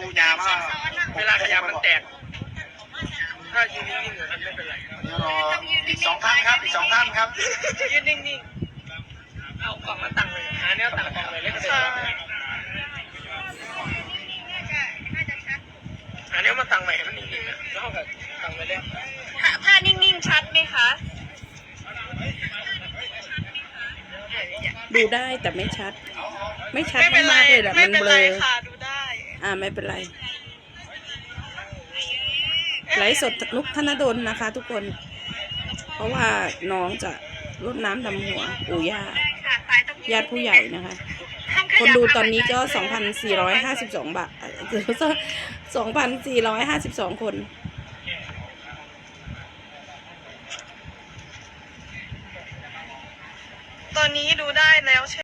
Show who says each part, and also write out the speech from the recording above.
Speaker 1: ปูยาว่า
Speaker 2: เวลาขยับมันแตกถ้ายืนนิ่งๆอยู่มันไม่เป็นไร
Speaker 1: รออีก2 ท่านครับอีก2 ท่านครับ
Speaker 2: ยืนนิ่งๆเอากล่องมาตั้งเลยหาแนวตั้งกล่องเลยเล่นเสร็จหาแนวมาตั้งใหม่ให้มันนิ่งๆนะแล้วก็ตั้งไปเลย
Speaker 3: ถ้านิ่งๆชัดไหมคะ
Speaker 4: ดูได้แต่ไม่ชัด ไม่ชัดมากเลยแหละมันเบลอ
Speaker 3: ค่ะดูได้
Speaker 4: ไม่เป็นไรไลฟ์สดนุกธนดลนะคะ ทุกคน เพราะว่าน้องจะรดน้ำดำหัวปู่ย่าญาติผู้ใหญ่นะคะ คนดูตอนนี้ก็ 2,452 บาท2,452 คน
Speaker 3: ตอนนี้ดูได้แล้วใช่